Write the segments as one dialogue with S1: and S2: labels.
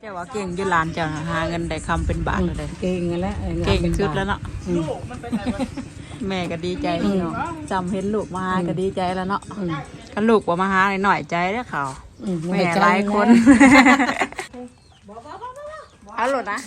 S1: เจ้าว่าเก่งอยืนลานเจ้าหาเงินได้คำเป็นบาทเลย
S2: เก่งแล้ว
S1: เก่งชุดแล้วเนาะแม่ก็ดีใจเนาะจำเห็นลูกมาก็ดีใจแล้วเนาะกันลูกว่ามาหาหน่อยใจได้ข่าวแม่หลายคนเอาหลดนะ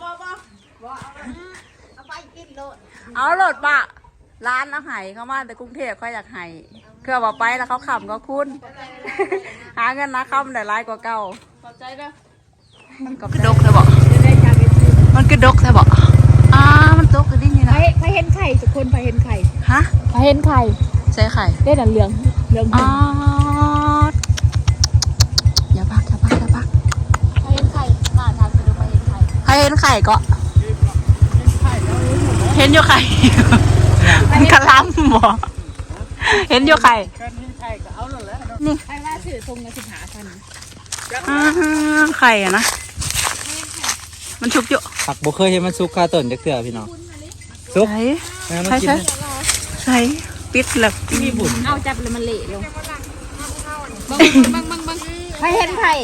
S1: เอาหลดปะร้านเอาไห่เข้ามาแต่กรุงเทพเขาอยากไห่เครือว่าไปแล้วเขาขำก็คุณหาเงินนะคำได้ร้ายกว่าเก่าขอบใจเด้อมันกระดกเธอบอกมันกระดกเธอบอกมันตกกระดิ่งนี่นะ
S3: ไปเห็นไข่ทุกคนไปเห็นไข่
S1: ฮะ
S3: ไปเห็นไข่
S1: ใช่ไข่
S3: ได้แต่เหลือง
S1: อย่าพัก
S3: ไปเห็นไข่มาทางสะดวกไปเห็นไข่
S1: ใครเห็นไข่ก็เห็นอยู่ไข่มันกระลำบ่เห็นอยู่ไข่นี่
S3: ไข่ว่าสื่อทรงเงินสิบหาพัน
S1: ไข่อะนะมันชุกอยู่
S2: ผักบุเคยเห็นมันซุกคาต้นเด็กเสือพี่น้องซุก
S1: ใช่ปิดแล้ว
S2: มีบุญ
S3: เอาจับเลยมันเละลงบังไปเห็นไข่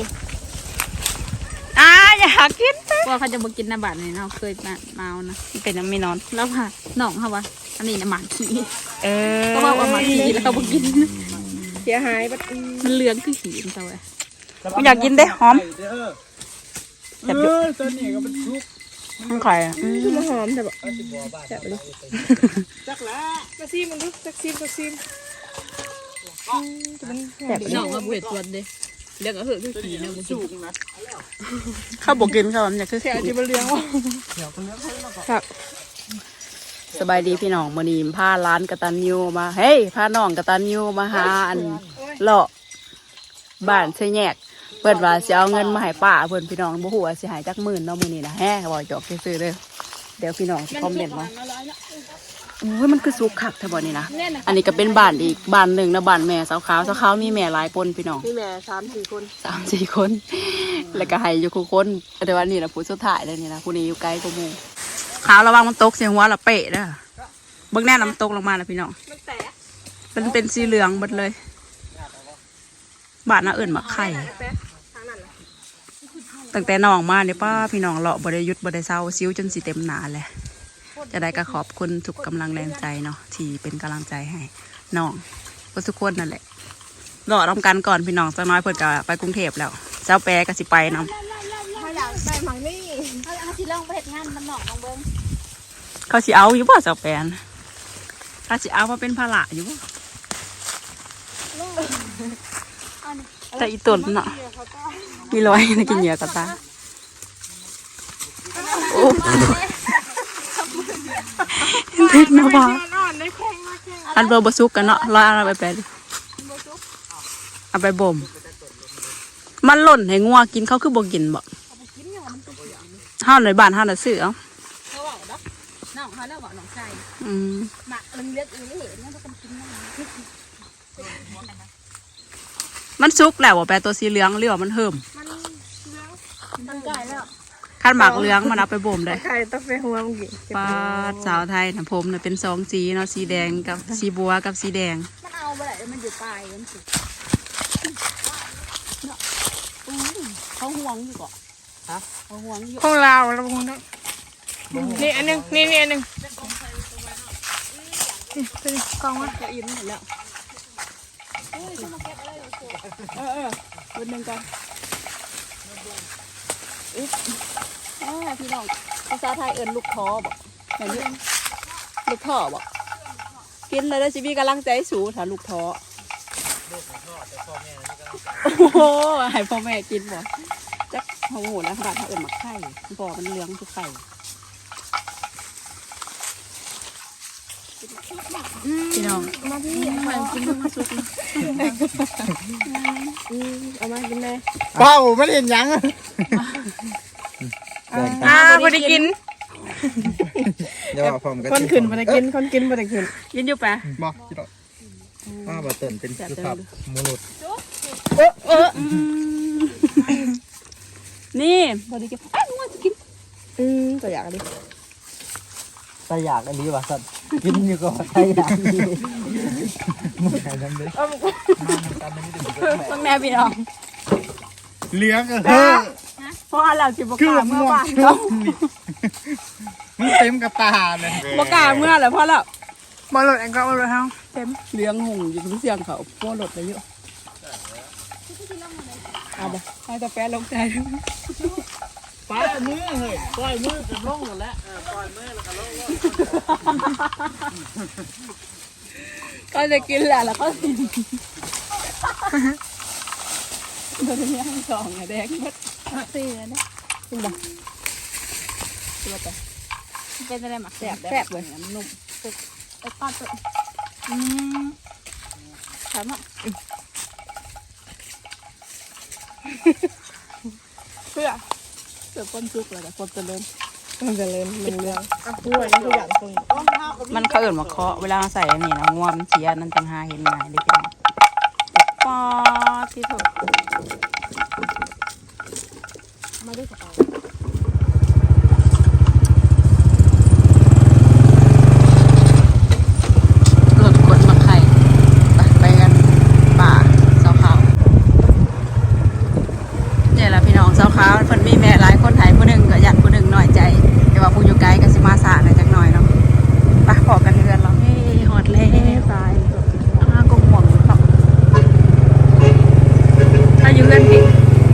S1: อยากกิน
S3: ว่าเขาจะมากินน้ำบาดนี่เนาะเคยเมานะ
S1: เป็นน้ำไม่นอน
S3: แล้วค่ะหนองค่ะวะอันนี้น้ำหมาขี้
S1: ก็
S3: ว่าหมาขี้แล้วเขาบอกกิน
S1: เสียหาย
S3: มันเหลืองคือขี้ตัวไอ้
S1: ไม่อยากกินได้หอม
S2: จับอยู่ตัวนี้ก็มันซุก
S1: มันไข่
S3: มันหอมแต่แบบจับเลย
S2: จักละ
S3: มาซีมันดูจักซีแบบหนองมาเวทตัวเด้เลี้ยงก็เหอะคือขี้เนี่ย
S2: ซุกนะ
S1: ข้าวบกินข้าวมันอยากคือ
S3: แค่ที่มันเลี้ยงว่ะ
S1: ครับสบายดีพี่น้องมื้อนี้พาร้านกตัญญูมาเฮ้ยพาน้องกตัญญูมาหาอันเลาะบ้านใส่แยกเพิ่นว่าสิเอาเงินมาให้ป้าเพิ่นพี่น้องบ่ฮู้ว่าสิให้จักหมื่นเนาะมื้อนี้นะแฮะบ่จอกซื่อๆเด้อเดี๋ยวพี่น้องสิคอมเมนต์มาโอ้ยมันคือสุกคักแท้บ่นี่นะอันนี้ก็เป็นบ้านอีกบ้านนึงนะบ้านแม่สาวขาวมีแม่หลายคนพี่น้อง
S3: มีแม่3-4 คน
S1: 3-4 คนแล้วก็ให้อยู่คู่คนแต่ว่านี่ล่ะผู้สุดท้ายเลยนี่นะผู้นี้อยู่ไกลกว่าหมู่ขาวระวังมันตกเสียหัวละเปะเด้อเบิ่งแน่น้ำตกลงมานะพี่น้องมันเป็นสีเหลืองหมดเลยบ้านน่าเอิ่นมาไข่ตั้งแต่น้องมาเนี่ยป้าพี่น้องเลาะบริยุทธ์บริเซาซิ้วจนสีเต็มหนาเลยจะได้ก็ขอบคุณทุกกำลังแรงใจเนาะที่เป็นกำลังใจให้น้องทุกคนนั่นแหละรอทำกันก่อนพี่น้องจะน้อยเพิ่นก็ไปกรุงเทพแล้วเจ้าแปรก็สิไปนำ
S3: เขาอยากไปหมังนี่เขาสิลองไปเฮ็ดงานมันหนองลองเบิ่ง
S1: เขาสิเอาอยู่บ่เจ้าแปรเขาสิเอามาเป็นภาระอยู่บ่แต่อีตุ่นเนาะมีรอยในกินเหยื่อกระตาโอ้ติดนะบ้าอันเบอร์บซุกกันเนาะรอยอะไรไปดิเอาไปบ่มมันหล่นให้งัวกินเขาคือบ่กินบ่ห้าวในบ้านห้าวในซื้อเอา
S3: น้องเขาแล้วบอกน้องชายหมักเลือดเห็นแล้วก็กิน
S1: มันซุกแล้วว่าแปลตัวสีเหลืองหรือว่ามันเหิม
S3: มันไก่แล้ว
S1: ขั้นหมักเหลืองมันเอาไปบ่มได้
S3: ไก่ต้องไปหัวมึงกิน
S1: ปลาสาวไทยนะผมเนี่ยเป็น2สีเนาะสีแดงกับสีบัวกับสีแดง
S3: มันเอาไปไหนมันอยู่ปลายมันสุดเขาห่วงอยู่ก่อนเขาห่วงอยู่
S1: ของเราเราห่วงเนาะ
S3: นี่อันนึงนี่อันนึงกองว่าจะอิ่มหมดแล้ววันหนึ่งกันพี่น้องภาษาไทยเอิญลูกท้อบอกแบบนี้ลูกท้อบอกกินเลยได้ชีวิตกำลังใจสูถ้าลูกท้อโอ้โหให้พ่อแม่กินบ่จักโอ้โหแล้วขนาดเขาเอิญหมักไข่บ่อมันเลี้ยงทุกไข่
S1: พี่น้อง
S3: มาพี่มากินมาสุกเอามากินเลย
S2: เป้าไม่เห็นยัง
S1: พอได้กิน
S2: เดี๋ยวผมก็
S3: คนขึ้นพอได้กินคนกินพอได้กิน
S1: กินอยู่ปะ
S2: บอกจิโร่บะเตินเป็นคือขับมูลุด
S1: นี่พอได้กินงัวจะกิน
S3: ตัวอยากดิ
S2: ถ้าอยากอันนี้ว่ะสัตว์กินอยู่ก่อนถ้าอยากนี่มึงใครทำเลย
S1: ต้องแน่พี่น้อง
S2: เลี้ยง
S3: เพราะเราสิบ่กล้าเมื่อวานเนาะ
S2: มันเต็มกระตาเลย
S3: บ่กล้าเมื่อแล้วเพราะเรา
S1: บ่รถแองก็บ่รถเฮาเต็ม
S3: เลี้ยงหงอยู่ทุกเสียงเขาพวกรถไปเยอะเอาบ่ให้ตาแปะลงใจ
S2: ปล่อยมือเฮ้ยปล่อยมือกับลงหมดแล้วปล่อยมือแล้วก็ลง
S3: ก็จะกินแหละแล้วก็กินโดนย่างสองไงแดงหมดสี่แล้วนะจริงป่ะตัวไปเป็นอะไรหมักแสบแสบเลยนุ่มไอ้ก้อนตัวถามอ่ะเพื่อก้นซุกเลยแต่คนจะเล่นมันจะเล่นเรื่องพูดอะไรทุกอย่างตรงมันเขาเอิ่นมาเคาะเวลาใส่อันนี้นะงวมเสียนั่นต่างหากเห็นง่ายเลยพี่น้องปอที่ถูกมาด้วยกระเป๋ารถขนมาไข่ไปกันป่าเสาขาวเนี่ยแหละพี่น้องเสาขาวเพิ่นมีแม่หลายคนไทยผู้หนึ่งก็ยันผู้หนึ่งน้อยใจแต่ว่าผู้อยู่ไกลก็สิมาสาหน่อยจักหน่อยเนาะไปพอกันเรือนเราเฮ้หอดแล้วตายกงหม่วงเนาะถ้าอยู่เรือนผิด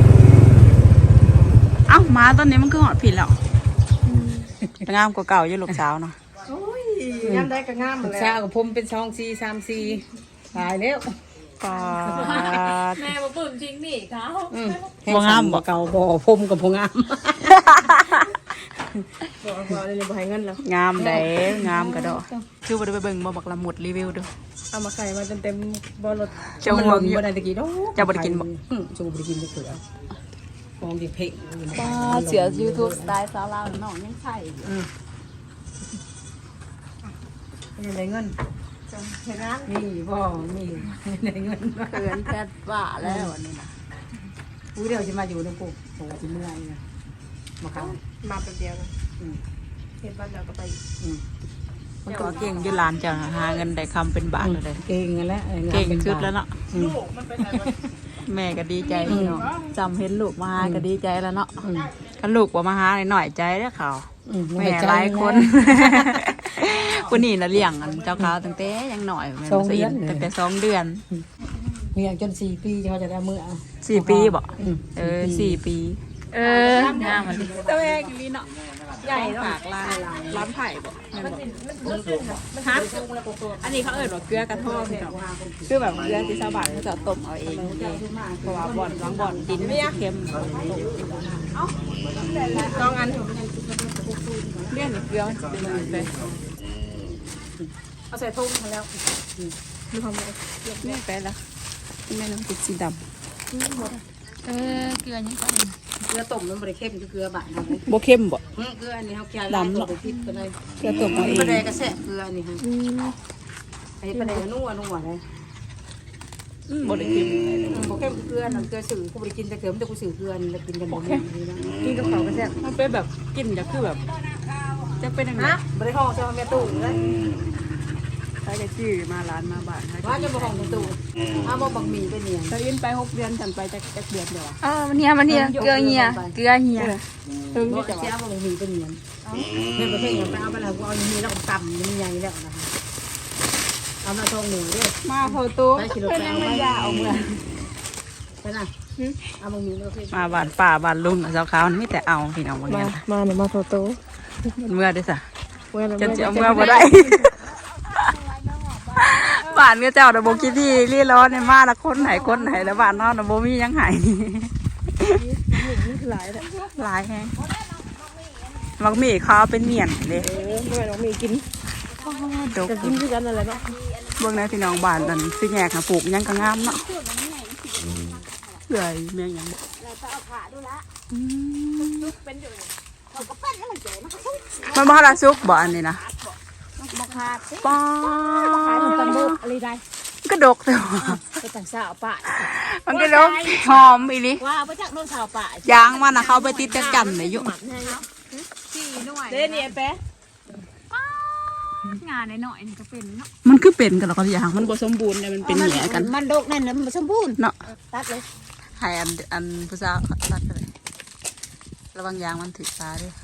S3: เอ้ามาตอนนี้มันคือหอดผิดแล้วงามกว่าเก่าอยู่ลูกสาวเนาะ
S1: ยามได้ก็งามหมดแล้ว
S4: ชากับผมเป็น2 4 3 4ตายแล้ว
S1: ปาด
S3: แม่มาปุ่มจริงนี่เขา
S1: บ่งามบ่
S4: เก่าบ่ผมกับบ่งาม
S1: บอกเลยบ่ให้เงินแล้ว
S3: งามได้งามกระดอคือบ่ได้ไปเบิ่งบ่บักละหมุดรีวิวดู
S1: เอามาไข่มาเต็มๆบ่รถ
S3: เจ้าห่วงอยู่
S4: บ่ได้ตะกี้ดอก
S3: เจ้าบ่ได้กินบ่
S4: จงบ่ได้กินจักเถื่อมองดิเพ่ง
S3: ป้าเสือ YouTube สไตล์สาวลาวน้องยังใส่
S4: ยังได้เงิน
S1: เห็นนะ
S4: นี่บ่มีได้เงิน
S3: เขินแพทย์ว่าแล้วอันนี้นะ
S4: ผู้เดียวสิมาอยู่นำกูโหสิเมื่อยนะมาเข้า
S1: มาแป๊บเดียวนะเห็นบ้านเราก็ไป
S3: มันก็เก่งอยู่ร้านเจ้าน่ะหาเงินได้คำเป็นบาทเลย
S4: เก่งกันแล้ว
S3: เก่งสุดแล้วเนาะ
S1: ลูกมันไปไหนวะ
S3: แม่ก็ดีใจพี่น้องจำเห็นลูกมาหาก็ดีใจแล้วเนาะถ้าลูกว่ามาหาหน่อยใจเด้อเขาแม่หลายคนคนนี้น่ะเลี้ยงอันเจ้าขาวตั้งแต่ยังหน่อยแม่บ่สิตั้งแต่2 เดือน
S4: เมียจน4 ปีเขาจะได้มื้อเอา
S3: 4 ปีบ่4 ปีงามมันตัวเองลีเนาะใหญ่เนาะปากร้านไผ่บ่ฮะอันนี้เขาเอิ้นว่าเกลือกระท่อมพี่น้องคือแบบเกลือที่ชาวบ้านเขาจะต้มเอาเองเพราะว่าบ่อนบอนดินไม่เค็มต้องอันเลี่ยนเกลือเป็นอะไรไป
S1: เอาใส่ทุ่งมาแล้ว
S3: นี่ไปแล้วแม่น้ำติดสีดำเกลือยังไง
S4: เกลือต้มมันบ่ได้เข้มคือเกลือบาดนะ
S3: บ่เข้มบ่
S4: เกลืออันนี้เขาเคี่ยวแล้วบ่ได้พิษก็ได้
S3: เกลือต้มเอาเอง
S4: ปลาแดกก็แซ่บเกลือนี่ฮะไอ้ปลาแดกนัวเลย
S3: บ่ได้เข้ม
S4: บ่เข้มเกลือน้ำเกลือสื่อกูบ่ได้กินแต่เกลือมันจะกูสื่อเกลือนี่แล้วกินกันบ่แม่นี่นะ
S1: กินกับเขาวก็แซ่บ
S3: มันเป็นแบบกลิ่นจะคือแบบ จะเป็นยังไง
S4: บ่ได้ห้องใส่แม่ตู้เลย
S3: ใช้กระจื้อมาร้านมาบ้าน
S4: ว่าจะบ่ห้องในตู้เอาบ่บักหมี่ไปเนี่ย
S3: ตะอินไป6 เดือนฉันไปจักเดือนเดียว
S1: มันเนี่ยเกลือเหี่ยเกลือเหี่ย
S3: ถึง
S4: บ่
S3: จะ
S4: จะเอาบักหมี่ไปเนี่ยเฮ็ดประเภทอย่างไปเอาไปแล้วกูเอาอย่างนี้แล้วก็ตำมันใหญ่แล้วนะคะเอามาทองหนึ่งเด้อ
S3: มาโทตู้เพิ่นยังไม่ยาเอาเมื่อ
S4: ไปน่ะเอาบักหมี่ประเภท
S3: มาบ้านป่าบ้านลุงเจ้าขาวมันมีแต่เอาพี่น้องบางอย่าง
S1: มาเนี่ยมาโทโต้
S3: เมื่อได้ซะ
S1: เว้ย
S3: จะเอาเมื่อบ่ได้บ้านก็เจ้าน่ะบ่คิดที่รีร้อนเนี่ยมาละคนไหนแล้วบ้านนอนน่ะบ่มีหยังให้
S1: นี่คือหลายแหละ
S3: หลายแฮงมักมีเขาเอาเป็นเมียนเด้
S1: ไม่ไหวน้องมีกิน
S3: ดก
S1: จะกินด้วยกันอะไรเนาะ
S3: เบิ่งในพี่น้องบ้านนั่นสิแยกน่ะปลูกหยังก็งามเนาะเอื่อยแม่งหยังบ่มันบ่ทันได้สุกบ่อันนี้นะ
S1: บ่ขาด
S3: ป้า
S1: ขายกันบุอะไรได้
S3: ก็ดกแต่ว่า
S1: ไปต่างสาวป่า
S3: มันก็ดกหอมอีหลี
S1: ว่าไปจากโน่นสาวป่าย
S3: างมันน่ะเขาไปติดจักจันเลยอยู่
S1: เด้นี่แป๊ะ
S5: งานหน่อยๆนี่ก็เป็นเนาะ
S3: มันคือเป็นกันแล้วก็อย่างมันบ่สมบูรณ์เนี่ยมันเป็นแหย่กัน
S4: มันดกนั่นน่ะมันสมบูรณ์
S3: เนาะ
S4: ตัดเลย
S3: ให้อันผู้สาวตัดไปเลย
S1: ระวังยางมันถึกฟ้าด้วย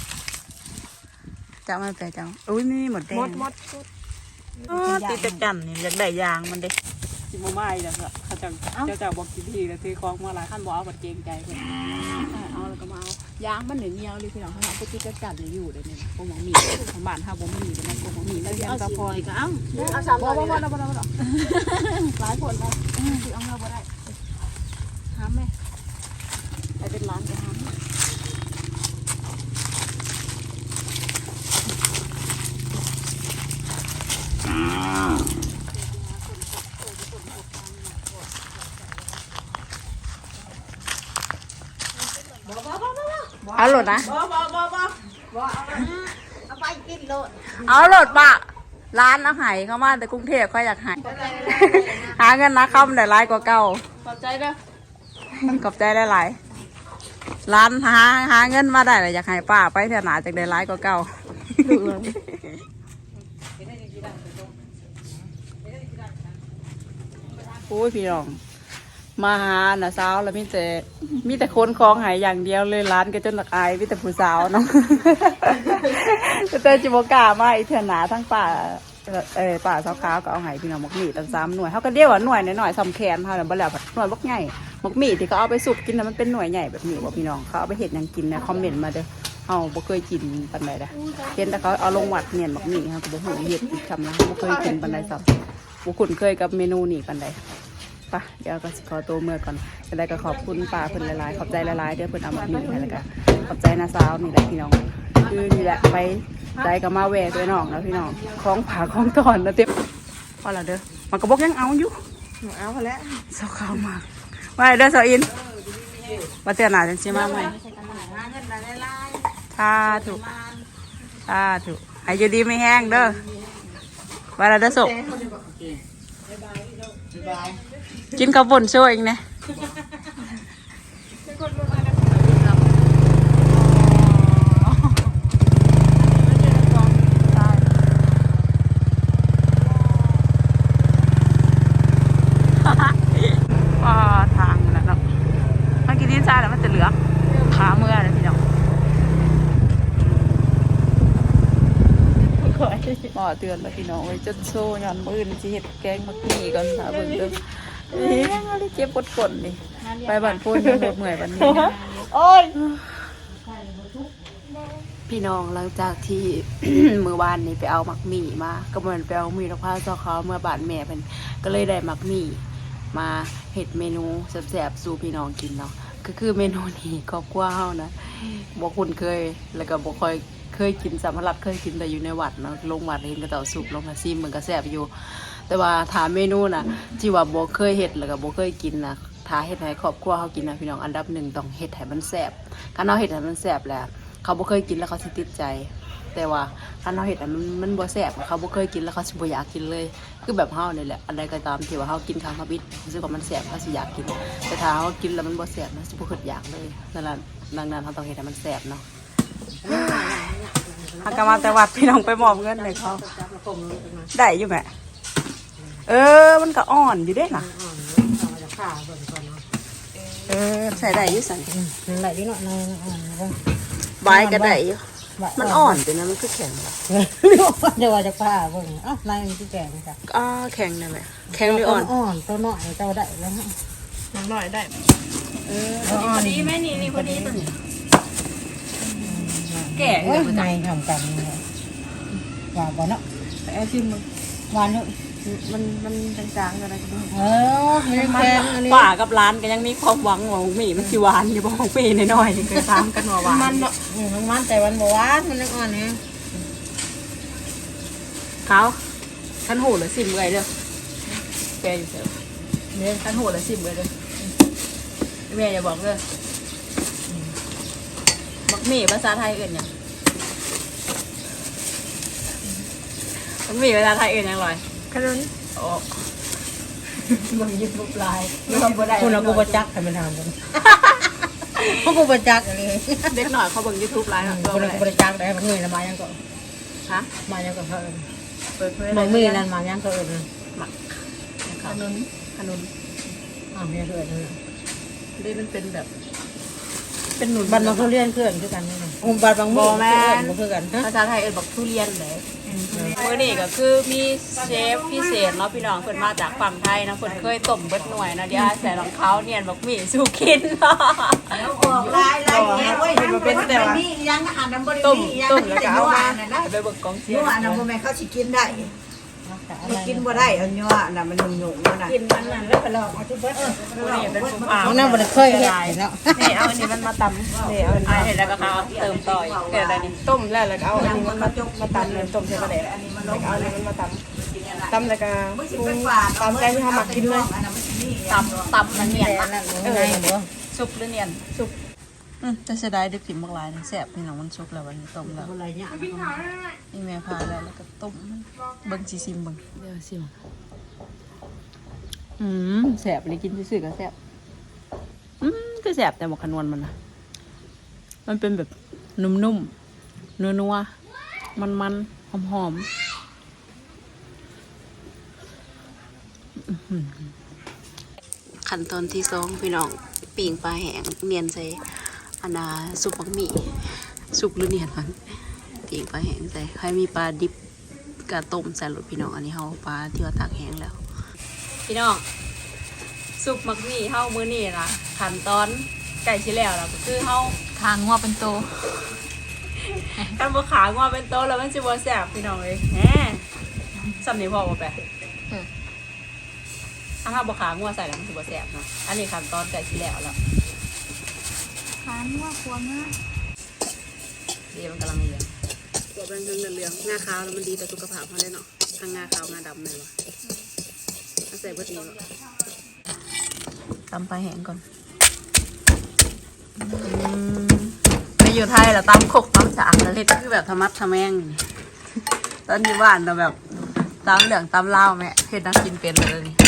S1: จับมันไปจังอุ้ยนี่หมดแดง
S3: มด
S1: ตีตะกันนี่อยากได้ยางมันเด้
S3: สิบ่มาอีกแล้วเขาจังเจ้าบอกกินทีแล้วซื้อของมาหลายขั้นบ่เอาบัดเกรงใจเพิ่นเอาแล้วก็มาเอายางมันเหนียวเลยพี่น้องเขาเอาไปตีตะกันอยู่เดี๋ยวนี้พวกหมอมีของบ้านเฮาบ่มีเดี๋ยวนั้นพวกหมอมีแล้วยังกระพอยก็เอา300บ่หลายคนเลยสิเอาเงินบ่ได้หามแม่ไปเป็นร้านไปหามเอาโหลดนะเอาโหลดปะร้านอาหารเข้ามาแต่กรุงเทพเขาอยากหายหาเงินนะเข้ามันได้หลายกว่าเก่าขอบใจเด้อขอบใจได้หลายร้านหาเงินมาได้เลยอยากให้ป้าไปเถอะหนาจากได้หลายกว่าเก่าโอ้ยพี่น้องมาหาน่ะสาวแล้วมีแต่คนคลองหายอย่างเดียวเลยร้านก็จนหลักอายมีแต่ผู้สาวเนาะแต่จิบกล้ามาอีเถื่อนหนาทั้งป่าป่าสาวขาวก็เอาหายพี่น้องหมกหมี่ตั้ง3 หน่วยเขาก็เดียวว่าหน่วยน้อยๆสำแขนเขาเนี่ยบ่แล้วหน่วยบักใหญ่หมกหมี่ที่เขาเอาไปสุกกินน่ะมันเป็นหน่วยใหญ่แบบนี้บ่พี่น้องเขาเอาไปเห็ดยังกินนะคอมเมนต์มาเด้อเฮาบ่เคยกินปานใดเด้อเห็นแต่เขาเอาลงวัดเนี่ยหมกหมี่เขาก็บ่ฮู้เฮ็ดอีกคำนะบ่เคยกินปานใดซ้ำบ่คุ้นเคยกับเมนูนี้ปานใดปะเดี๋ยวก็ขอตัวเมื่อก่อนอะไรก็ขอบคุณป้าเพิ่นหลายๆขอบใจหลายๆเด้อเพิ่นเอามาหมี่ให้แล้วก็ขอบใจน้าสาวนี่แหละพี่น้องคือนี่แหละไปใจกับมาแหวกด้วยน้องแล้วพี่น้องคล้องผาคล้องตอนแล้วเต็มพอแล้วเด้อมันกระบอกยังเอาอยู่เอาพอแล้วเศร้าขาวมากว่าเด้อสาวอินว่าเตือนหนาจังสิมาใหม่ถ้าถูกให้อยู่ดีไม่แห้งเด้อว่าแล้วเด้อสุกกินข้าวบนช่วยเองนะทางนั่นเนาะมันกินดินทรายแล้วมันจะเหลือขาเมื่อเลยพี่น้องบ่เตือนแล้วพี่น้องไว้จะโซ่ย้อนมือจะเห็ดแกงมักมี่ก่อนค่ะเบิ่งเด้อเจ็บปวดนี่ไปบ้านพูนยังปวดเมื่อยวันนี้โอ้ยพี่น้องหลังจากที่ มื้อวานนี้ไปเอามักมี่มาก็เหมือนไปเอามีดอกพร้าวซอเขาเมื่อบ้านแม่เพิ่นก็เลยได้มักมี่มาเฮ็ดเมนูแซ่บๆสู่พี่น้องกินเนาะก็คือเมนูนี้ครอบครัวเฮานะบ่คุ้นเคยแล้วก็บ่ค่อยเคยกินสำหรับเคยกินแต่อยู่ในวัดเนาะลงวัดเห็นก็เต่าสุกลงมาซิมมันก็แซ่บอยู่แต่ว่าถามเมนูน่ะที่ว่าบ่เคยเฮ็ดแล้วก็บ่เคยกินน่ะถ้าเฮ็ดให้ครอบครัวเฮากินนะพี่น้องอันดับ1ต้องเฮ็ดให้มันแซ่บคันเฮาเฮ็ดให้มันแซ่บแล้วเขาบ่เคยกินแล้วเขาสิติดใจแต่ว่าคันเฮาเฮ็ดให้มันบ่แซ่บเขาบ่เคยกินแล้วเขาสิบ่อยากกินเลยคือแบบเฮานี่แหละอันใดก็ตามที่ว่าเฮากินครั้งทบิดรู้สึกว่ามันแซ่บเขาสิอยากกินแต่ถ้าเฮากินแล้วมันบ่แซ่บมันสิบ่คิดอยากเลยนั่นล่ะดังนั้นเฮาต้องเฮ็ดให้มันแซ่บเนาะหักกะมาแต่วัดพี่น้องไปมอบเงินเลยเขาได้อยู่แม่มันก็อ่อนอยู่เด้น่ะใส่ได้อยู่สั่น
S4: ไหลนิดหน่อย
S1: ใบก็ได้อยู่มันอ่อนแต่นะมันคือแข็งแบบ
S4: เดี๋ยวว่าจะผ้าเบิ่งนายมันที่แก่ค่ะ
S1: แข็งนั่นแหละแข็งหรืออ่อน
S4: ตัวน้อยเจ้าได้แล้วฮะ
S3: น้อยได้
S4: พอ
S3: ดีไหมนี่พอดีตัวนี้แก่
S4: ในทำกันหวานบ่เนาะ
S3: ไอ้ชิม
S4: หวานเนาะ
S3: มันจางๆอะไรกัน
S1: ป่ากับร้านก็ยังมีความหวังว่าหมี่มันสิหวานอยู่บ่ของปีน้อยๆเคยตามกันว่าหวาน
S4: มันเนาะมันแต่วันบ่หวานมันยังอ่อนเนี่ย
S1: เขาขันหูหรือซิมเลยเด้อแกอยู่เถอะเนี่ยขันหูหรือซิมเลยเด้อแม่อย่าบอกเลยมักหมี่ภาษาไทยอื่นยังมักหมี่ภาษาไทยอื่นยังลอย
S3: ขนุน
S1: โอ้มึงยืนบุบลาย
S4: คุณเรากูประจักษ์ให้มันทำกันพวกกูประจักษ์เลย
S1: เด็กหน่อยเขาเบิ่ง YouTube ไลน์หน่อย
S4: กูประจักษ์ได้มันเงยมายังก็
S1: ฮะ
S4: มายังก็เพิ่มมันมีนั่นมายังก็อื่น
S1: หมักขนุน
S4: มีเอื่น
S1: นี่มันเป็นแบบ
S3: เป็นหนุน
S4: บ้านเราเขาเรียนเครื่องคือกันนี่บ้านบางหมู่คือกัน
S1: ภาษาไทยเอิ้นบักทุเรียนเลยมื้อนี้ก็คือมีเชฟพิเศษเนาะพี่น้องเพิ่นมาจากฝั่งไทยนะเพิ่นเคยต้มเบิดหน่วยนะเดี๋ยวใส่รองเท้าเนียนบักหมี่สู้กิน
S4: บอกลายแง่เว้ยมันเป็นแต่ว่ายังอันนั้นบ่ได้
S1: ต้ม
S4: มียัง
S1: ต้มแล้วก็เอามา
S4: นั่นนะ
S1: ไปเบิกกองเชีย
S4: นั
S1: ร์
S4: วอันนั้นบ่แม่นเขาสิกินได้มันกินบ่ได้อันนัวอันนั้นมันนุ่มๆนั่นน่ะกินมันนั่นแล้วก็ลอกเอาที่เบิด
S1: นี่เป็นผู้พา
S4: เอานั่นบ่ได้เคยเฮ็ดเนาะ
S3: นี่เอาอันนี้มันมาตำนี่เอาอัน
S1: อ่า
S3: นี้
S1: เห็นแล้วก็เขาเติมต่อยเกิดอะไรนี่
S3: ต้มแล้วก็เอาอันนี้มันมาตำเลยต้มใส่กระเดะแล้วก็เอาอันนี้มันมาตำแล้วก็ปรุงตามใจที่เขาหมักกินเลย
S1: ตำมันเนียนนะ
S4: เด้อ
S1: ซุปหรือเนียนซุปจะเสียดายดึกถิ่มบักหลายนะแซ่บพี่น้องมันซุปแล้ววันนี้ต้มแล้ว
S4: บ่ไรเนี่ย
S1: นี่แม่พาแล้วก็ต้มมันเบิ่งสิซิมเบิ่งเดี๋ยวซิมแซ่บเลยกินซื่อๆก็แซ่บก็แซ่บแต่หมกขนวนมันนะมันเป็นแบบนุ่มๆนัวๆมันๆหอมๆขั้นตอนที่สองพี่น้องปิ่งปลาแห้งเนียนใส่อันนาซุปบักหมี่ซุปหรือเนียนมันปิ่งปลาแห้งใส่ใครมีปลาดิบกระต้มใส่รสพี่น้องอันนี้เฮาปลาที่ว่าตากแห้งแล้วพี่น้องซุปบักหมี่เฮามื้อนี้นะขั้นตอนไก่ชิแล้วก็คือเฮาคางงัวเป็นโตกันบ่ขางัวเป็นโตแล้วมันสิบ่แซ่บพี่น้องเอ้ยแหมซ้ำนี่พอบ่แปะถ้าเฮาบ่ขางัวใส่แล้วมันสิบ่แซ่บเนาะอันนี้ขั้นตอนไก่ชิแล้วขางัวควงนะเดี๋ยวมันกำลังเลี้ยงตัวเป็นเหลืองงาขาวแล้วมันดีต่อสุขภาพเฮาได้เนาะทั้งงาขาวงาดำเลยวะเอาใส่เบิดนี้ตำปลาแห้งก่อนไปอยู่ไทยแล้วตำขกตำสากแล้วเฮ็ดคือแบบธรรมะทะแมงตอนอยู่บ้านเราแบบตำเหลืองตำเล่าวแม่เฮ็ดนักกินเป็นเลยนี่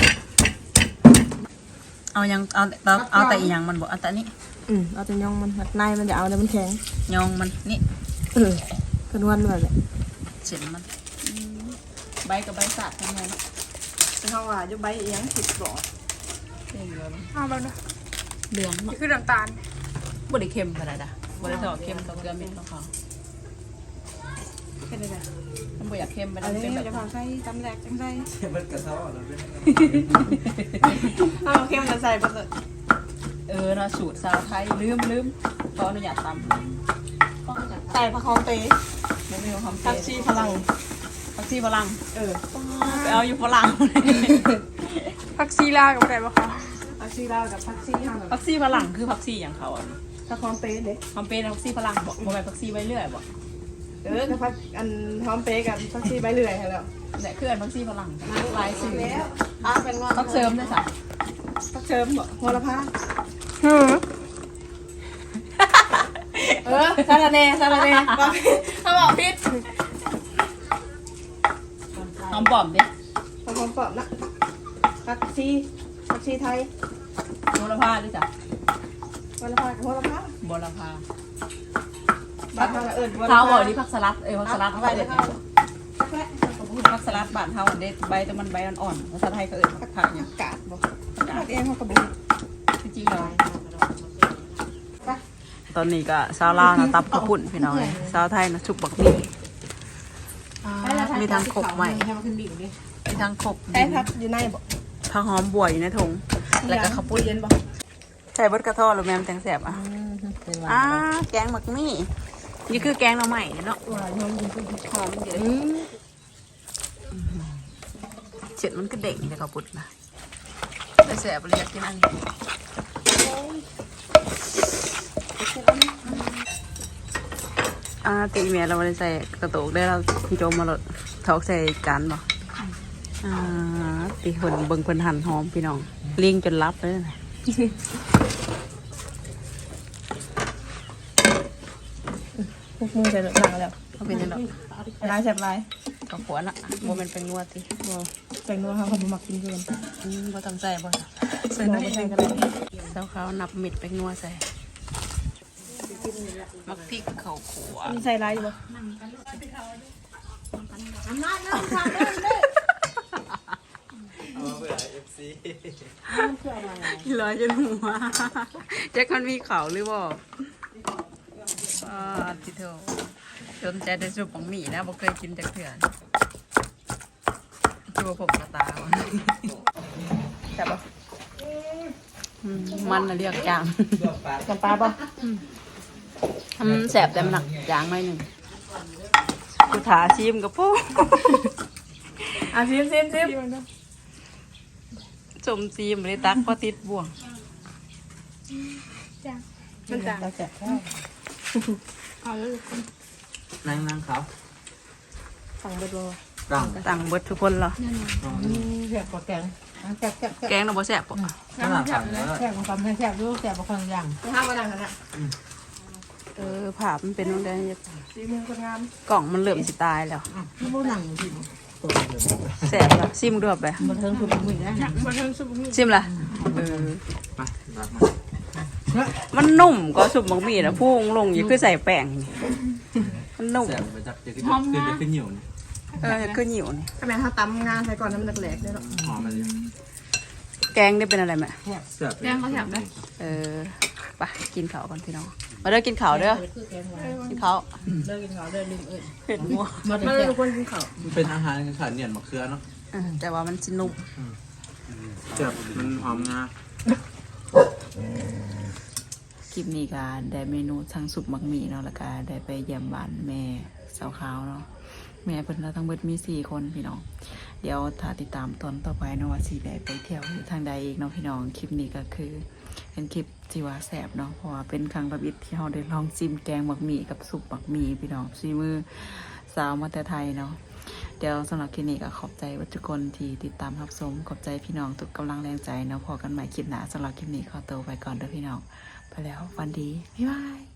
S1: เอาแต่อีหยังมันบอกเอาแต่นี้
S3: เอาแต่ย่องมันในมันจะเอาแล้วมันแข็ง
S1: ยองมันนี่
S3: กระนวลแบบนี้
S1: เส้นมันใบกับใบสาดทำไง
S3: เป็นห้องว่าจะใบเอียงผิดบ่
S5: เอาแล้วนะ
S1: เหลือง
S5: นี่คือน้ำตาล
S1: บริเค็มขนาดน่ะบริสอเค็มกับเกลือเม็ดของเขา
S3: เป็นยังไง
S1: มันบ่อยากเค็มไป
S3: อัน
S1: แล้ว
S3: นี้
S1: เป็นแบบ
S3: จะพาใส่ตำแหลกจังใส่
S2: มันกระเทาะแล้วเป็น
S3: เอาเข้มจะใส่ไปเลย
S1: เนาะสูตรสาวไทยลืมขออนุญาตตำ
S3: ใส่ผักหอมเตย
S1: ไม่มีความ
S3: ผักชีพลัง
S1: ผักชีฝรั่งไปเอาอยู่ฝรั่ง
S5: ผักซีลากับอะไรบ้างคะ
S3: ผักชีลาวกับผักชีห่าง
S1: ผักชีฝรั่งคือผักชีอย่างเขาอ่ะ
S3: ผักหอมเตยเด้
S1: ความเป็นผักชีฝรั่งบอกไปผักชีไว้เรื่อยบอก
S3: ถ้าผักอันหอมเตยกับผักชีใบเลื่อยให้แล้ว
S1: แต่คืออันผักชีฝรั่งลายสื่อ
S3: เป็นงอน
S1: ผักเสริมด้วยจ้ะ
S3: ผักเชิมบ่โหระพา ซาลาเน่เขาบอกพิษ
S1: หอมปอมดิ
S3: ผักหอมปอบนะผักชีไทย
S1: โหระพาด้วยจ้ะ
S3: โหระพา
S1: บรพา
S3: บ้านเรา
S1: เท้าบอกนี่ผักสลัดผักสลัด
S3: เอา
S1: เขา
S3: ไป
S1: เด็
S3: เล
S1: ด
S3: ย
S1: ผักสลัดบ้านเท้าเด็ดใบแต่มันใบอ่อนๆภาษาไทยเขาเอ่ยผักเนี่ย
S3: กาดบอกกาดเองเขากระบุก
S1: จริงๆเลยตอนนี้ก็สาวลาวนะตับกระปุ่นพี่น้องเลยสาวไทยนะชุบบักมี่มีทั้งขบใหม่มีทั้งขบ
S3: ใช้ผักอยู่ในบอก
S1: ผักหอมบัวอยู่ในถุงแล้วก็ข้าวปุ้น
S3: เย็นบอก
S1: ใส่เบิดกระท้อหรือแมมแตงแสบแกงหมักมี่นี่คือแกงหน่อใหม่เนาะหอมอยู่เลยเจ็ดมันก็เด็กเลยข้าวปุ้นนะแต่แสบเลยอยากกินอันนี้ตีเมียเราไม่ได้ใส่กระโตกได้เราโจมมาหลดทอกใส่กันบ่ตีคนเบิ่งคนหั่นหอมพี่น้องเลี้ยงจนรับเลยนะ
S3: พวกมือใส่หนังแล้ว
S1: เขาเป็นยังไง
S3: ลายแสบลาย
S1: กับหัวน่ะโมมันเป็นงวดที่
S3: ใส่นัวเขาเขาบุมักกินเกิน
S1: บ่ตั้งใจบ่
S3: ใส่นัวไม่ใส่กันเลย
S1: เจ้าเขานับมิดไปงัวใส่มักพริกข้าวขัว
S3: มีใส่ลายอยู่บ่
S2: เอาเพื่อ
S1: ลอยจนหัวแจ็คมันมีเขาหรือเปล่าทิโตจนใจได้สุปของหมี่นะบ่เคยกินจากเถื่อนตัวผมกระตาวะแซ่บปะมันน่ะเรียกจาง
S4: จำปาป่ะ
S1: แสบแต่มันหนักจางหน่อยหนึ่งกูถาชิมกับพวก
S3: ซิม
S1: จมซีมเลยตักพอติดบ่วง
S3: มันจาง
S4: เราแสบ
S5: เอาเลย
S2: นั่งเขา
S4: สั่งไปดู
S2: ตั้ง
S1: ต่างเบิดทุกคนเหรอ
S4: แสบกว่าแกงแสบ
S1: แกงเราบ่แสบปะ
S2: ขนาดสั่งแล้ว
S4: แสบกว่าความแสบดูแสบกว่าคนอย่าง
S3: ห้ามมาดังกันนะ
S1: ภาพมันเป็นตรงใด
S3: สีมือคนงาม
S1: กล่องมันเหลื่อมสิตายแล้ว
S4: ที่บูหนังสิ
S1: แสบแล้วซิมดูแบบ
S4: มันเทิงสุดมือนะ
S5: มาเทิงสุบมี
S1: ซิมละ
S2: มารักมา
S1: มันนุ่มก็สุบมังมีนะพุ่งลงอยู่คือใส่แป้งนี่มันนุ่ม
S2: แซ่บไปจับจะขึ้นเหนียวนี่
S1: คือเหนียวนี่
S3: ทำไมเขาตำงานใส่ก่อนน้ำแหลกๆเลยหรอ
S2: หอมมันเลย
S1: แกงได้เป็นอะไรไหม
S2: แซ่บ
S3: แกงเขาแถมได้
S1: ไปกินข้าวก่อนพี่น้องมาเด้อกินข้าวเด้อกินข้าว
S4: เลิกกินข้าวเลิกลืมเอิญ
S1: เผ็ดมัว
S4: มา
S3: มัน
S4: เถ
S3: เลย
S4: อะ
S3: คนกินข้าว
S2: มันเป็นอาหารขาดเหนียนมะเขือเนาะ
S1: แต่ว่ามันสินุ่ม
S2: แซ่บมันหอมงา
S1: คลิปนี้ก็ได้เมนูทั้งสุกมักหมี่เนาะแล้วก็ได้ไปเยี่ยมบ้านแม่สาวขาวเนาะแม่เพิ่นเราทั้งเบิดมี4 คนพี่น้องเดี๋ยวถ้าติดตามตอนต่อไปเนาะว่าสิได้ไปเที่ยวอยู่ทางใดอีกเนาะพี่น้องคลิปนี้ก็คือเป็นคลิปที่ว่าแซ่บเนาะเพราะว่าเป็นครั้งระบิดที่เราได้ลองชิมแกงมักหมี่กับสุกมักหมี่พี่น้องซีมือสาวมาแต่ไทยเนาะเดี๋ยวสำหรับคลิปนี้ก็ขอบใจทุกคนที่ติดตามรับชมขอบใจพี่น้องทุกกำลังแรงใจเนาะพอกันใหม่คลิปหน้าสำหรับคลิปนี้ขอตัวไปก่อนเด้อพี่น้องไปแล้ววันดีบ๊ายบาย